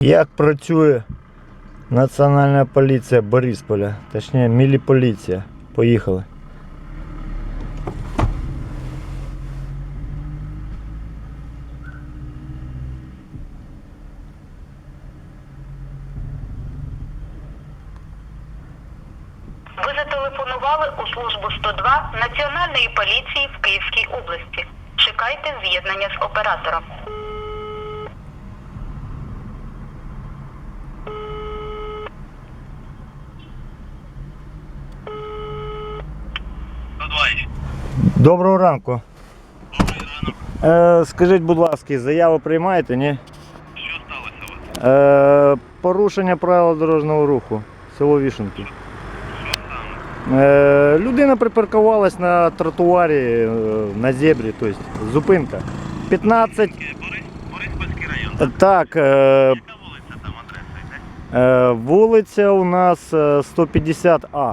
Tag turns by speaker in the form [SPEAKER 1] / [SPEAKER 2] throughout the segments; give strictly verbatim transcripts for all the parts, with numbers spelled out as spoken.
[SPEAKER 1] Як працює Національна поліція Борисполя, точніше міліполіція. Поїхали.
[SPEAKER 2] Ви зателефонували у службу сто два Національної поліції в Київській області. Чекайте з'єднання з оператором.
[SPEAKER 1] Доброго ранку.
[SPEAKER 3] Добрий ранок.
[SPEAKER 1] Е, скажіть, будь ласка, заяву приймаєте, ні?
[SPEAKER 3] Що сталося у вас?
[SPEAKER 1] Е, порушення правил дорожнього руху. Село Вішенки.
[SPEAKER 3] Що саме?
[SPEAKER 1] Е, людина припаркувалась на тротуарі, е, на зебрі, тобто зупинка. п'ятнадцять.
[SPEAKER 3] Борис, Бориспільський район, так?
[SPEAKER 1] Так, е,
[SPEAKER 3] Яка вулиця там, адреса йде?
[SPEAKER 1] е, вулиця у нас е, сто п'ятдесят А.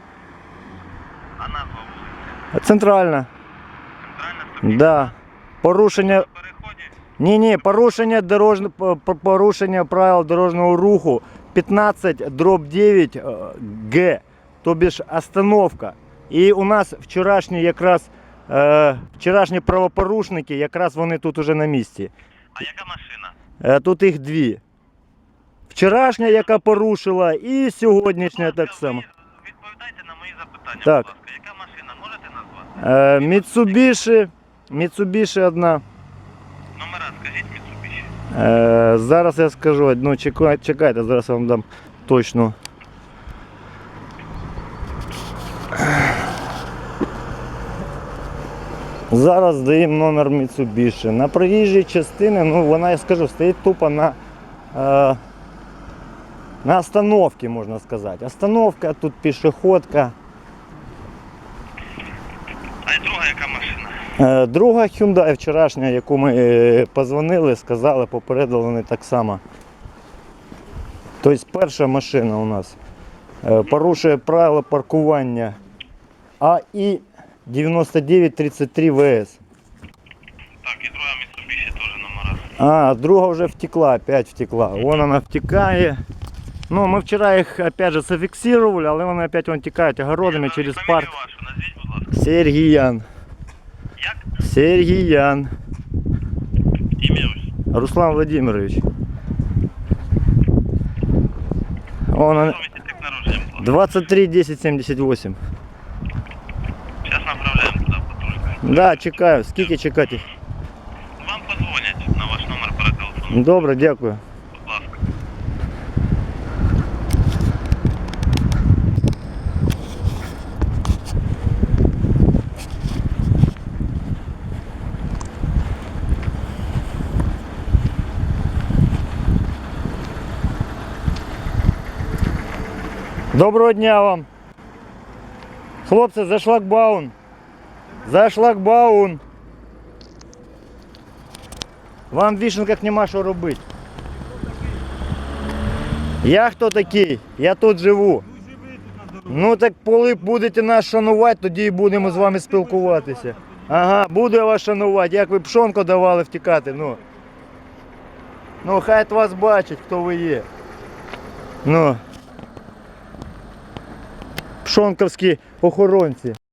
[SPEAKER 3] А назва вулиці?
[SPEAKER 1] Центральна.
[SPEAKER 3] Центральна сто
[SPEAKER 1] Да. Порушення.
[SPEAKER 3] На переході?
[SPEAKER 1] Ні, ні, порушення дорожньо, по- по- порушення правил дорожнього руху п'ятнадцять дроб дев'ять Г, тобі ж остановка. І у нас вчорашні якраз е, вчорашні правопорушники, якраз вони тут уже на місці.
[SPEAKER 3] А яка машина?
[SPEAKER 1] Е, тут їх дві. Вчорашня, яка порушила, і сьогоднішня так само.
[SPEAKER 3] Ви відповідайте на мої запитання,
[SPEAKER 1] Так.
[SPEAKER 3] будь ласка. Яка машина? Можете назвати?
[SPEAKER 1] Е, Mitsubishi, Mitsubishi одна.
[SPEAKER 3] Номера скажіть Mitsubishi.
[SPEAKER 1] Е, зараз я скажу, ну чекайте, чекайте, зараз я вам дам точно. Зараз даємо номер Mitsubishi. На проїжджій частині, ну вона, я скажу, стоїть тупо на, е, на остановці, можна сказати. Остановка, тут пішохідка.
[SPEAKER 3] А і друга яка машина?
[SPEAKER 1] Е, Друга Hyundai вчорашня, яку ми е, позвонили, сказали, попередили вони так само. Тобто перша машина у нас е, порушує правила паркування А І дев'яносто дев'ять тридцять три В С.
[SPEAKER 3] Так, і друга Mitsubishi теж номера.
[SPEAKER 1] А, друга вже втекла, опять втекла. Вон вона втікає. Ну, ми вчора їх опять же зафіксували, але вони опять вон тікають огородами через
[SPEAKER 3] Фамілію
[SPEAKER 1] парк.
[SPEAKER 3] вашу назвіть, будь ласка.
[SPEAKER 1] Сергіян.
[SPEAKER 3] Як?
[SPEAKER 1] Сергіян.
[SPEAKER 3] Ім'я ось.
[SPEAKER 1] Руслан Владимирович. Он, он,
[SPEAKER 3] Совісті тип народження, будь ласка.
[SPEAKER 1] двадцять три десять сімдесят вісім.
[SPEAKER 3] Зараз направляємо туди потужку.
[SPEAKER 1] Да, чекаю. Скільки чекати?
[SPEAKER 3] Вам подзвонять на ваш номер перетелефону.
[SPEAKER 1] Добре, дякую.
[SPEAKER 3] Будь ласка.
[SPEAKER 1] Доброго дня вам. Хлопці, за шлагбаун. За шлагбаун. Вам в Вішенках нема що робити. Я хто такий? Я тут живу. Ну так коли будете нас шанувати, тоді і будемо з вами спілкуватися. Ага, буду я вас шанувати. Як ви пшонку давали втікати, ну. Ну, хай вас бачить, хто ви є. Ну. Пшонковські охоронці.